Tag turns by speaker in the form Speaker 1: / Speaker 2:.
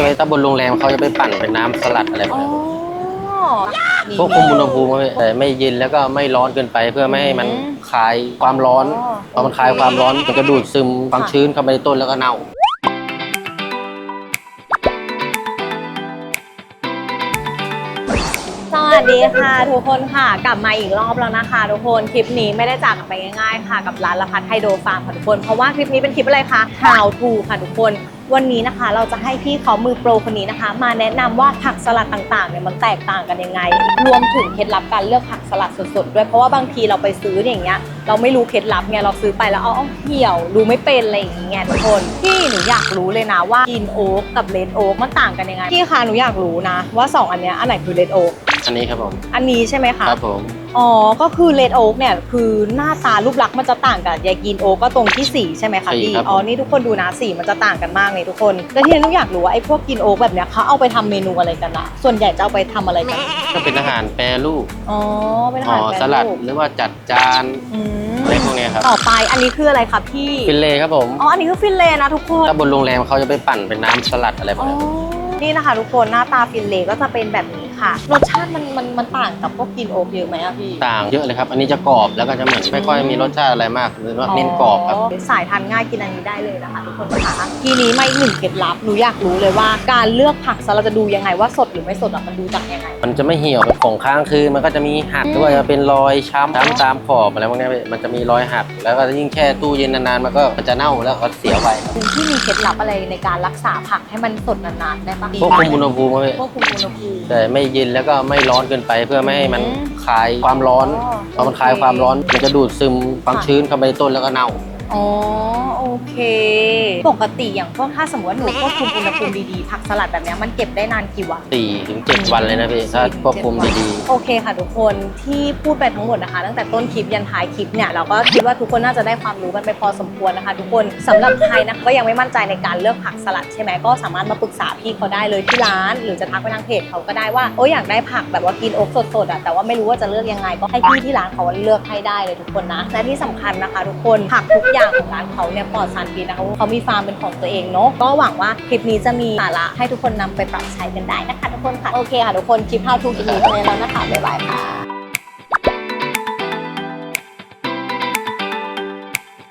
Speaker 1: ว้ถ้าบนโรงแรมเขาจะไปปั่นเป็นน้ำสลัดอะไรแบบนี้ควบคุมอุณหภูมิแต่ไม่เย็นแล้วก็ไม่ร้อนเกินไปเพื่อไม่ให้มันคลายความร้อนพอมันคลายความร้อนมันก็ดูดซึมความชื้นเข้าไปในต้นแล้วก็เน่า
Speaker 2: สวัสดีค่ะทุกคนค่ะกลับมาอีกรอบแล้วนะคะทุกคนคลิปนี้ไม่ได้จากกันไปง่ายๆค่ะกับร้านละพัดไฮโดรฟาร์มค่ะทุกคนเพราะว่าคลิปนี้เป็นคลิปอะไรคะ How to ค่ะทุกคนวันนี้นะคะเราจะให้พี่เขามือโปรคนนี้นะคะมาแนะนำว่าผักสลัดต่างๆเนี่ยมันแตกต่างกันยังไงรวมถึงเคล็ดลับการเลือกผักสลัดสดๆด้วยเพราะว่าบางทีเราไปซื้ออย่างเงี้ยเราไม่รู้เคล็ดลับไงเราซื้อไปแล้วเอาเหี่ยวดูไม่เป็นอะไรอย่างเงี้ยทุกคนพี่หนูอยากรู้เลยนะว่ากินโอ๊กกับเลดโอ๊กมันต่างกันยังไงพี่คะหนูอยากรู้นะว่า2อันเนี้ยอันไหนคือเลดโอ๊ก
Speaker 1: อันนี้ครับผม
Speaker 2: อันนี้ใช่ไหมคะ
Speaker 1: ครับผม
Speaker 2: อ๋อก็คือเลดโอ๊กเนี่ยคือหน้าตารูปลักษณ์มันจะต่างกับยากินโอ๊กก็ตรงที่สีใช่ไหมคะพี่อ๋อนี่ทุกคนดูนะสีมันจะต่างกันมากเลยทุกคนแล้วที่นุ้ยอยากรู้ว่าไอ้พวกกินโอ๊กแบบเนี้ยเขาเอาไปทำเมนูอะไรกันอะส่วนใหญ่จะเอาไปทำอะไรกัน
Speaker 1: ก็เป็นอาหารแปรรูป
Speaker 2: อ๋อเป็นอาหารแปรรูป
Speaker 1: สลัดหรือว่าจัดจานอะไรพวกนี้ครับ
Speaker 2: ต่อไปอันนี้คืออะไรคะพี่
Speaker 1: ฟิลเล่ครับผม
Speaker 2: อ๋ออันนี้คือฟิลเล่นะทุกคน
Speaker 1: ถ้าบนโรงแรมเขาจะไปปั่นเป็นน้ำสลัดอะไรแบบนี้
Speaker 2: นี่นะคะทุกคนหน้าตาฟิลเล่ก็จะเป็นแบบนี้ค่ะรสชาติมันต่างกับพวกกินโอ๊กเยอะไหมอะพี่
Speaker 1: ต่างเยอะเลยครับอันนี้จะกรอบแล้วก็จะเหมือนไม่ค่อยมีรสชาติอะไรมากหรือว่าเน้นกรอบครับ
Speaker 2: สายทานง่ายกินอันนี้ได้เลยนะคะทุกคนค่ะทีนี้มาอีกหนึ่งเคล็ดลับหนูอยากรู้เลยว่าการเลือกผักเราจะดูยังไงว่าสดหรือไม่สดมันดูจากยังไง
Speaker 1: มันจะไม่เหี่ยวเป็นของค้างคืนมันก็จะมีหักด้วยจะเป็นรอยช้ำตามขอบอะไรพวกนี้มันจะมีรอยหักแล้วก็ยิ่งแช่ตู้เย็นนานๆมันก็จะเน่าแล้วก็เสียไว
Speaker 2: คุณที่มีเคล็ดลับอะไรในการรักษาผักให้มันสดนานๆได้ปะ
Speaker 1: ควบคุมอุณหภูมิ
Speaker 2: ควบคุมอุณหภูมิ
Speaker 1: แต่ไม่เย็นแล้วก็ไม่ร้อนเกินไปเพื่อไม่ให้มันคลายความร้อนพอมันคลายความร้อนมันจะดูดซึมความชื้นเข้าไปในต้นแล้วก็เน่า
Speaker 2: อ๋อโอเคปกติอย่างพวกถ้าสมมติว่าหนูควบคุมอุณหภูมิดีๆผักสลัดแบบนี้มันเก็บได้นานกี่วัน
Speaker 1: 4 ถึง 7 วันเลยนะพี่ถ้าควบคุมดี
Speaker 2: ๆโอเคค่ะทุกคนที่พูดไปทั้งหมดนะคะตั้งแต่ต้นคลิปยันท้ายคลิปเนี่ยเราก็คิดว่าทุกคนน่าจะได้ความรู้กันไปพอสมควรนะคะทุกคนสำหรับใครนะก็ยังไม่มั่นใจในการเลือกผักสลัดใช่ไหมก็สามารถมาปรึกษาพี่เขาได้เลยที่ร้านหรือจะทักไปทางเพจเขาก็ได้ว่าอยากได้ผักแบบว่ากินโอ๊กสดๆแต่ว่าไม่รู้ว่าจะเลือกยังไงก็ให้พี่ที่ร้านเขาเลือกให้ได้เลยทุกคนนะและที่สำคัญนะคะทุกคนผักทุกอย่างของร้านเขาเนี่ยปลอดสารพิษนะคะเขามีฟาร์มเป็นของตัวเองเนาะก็หวังว่าคลิปนี้จะมีสาระให้ทุกคนนำไปปรับใช้กันได้นะคะทุกคนค่ะโอเคค่ะทุกคนคลิป How to คลิปนี้ไปแล้วนะคะบ๊ายบายค่ะ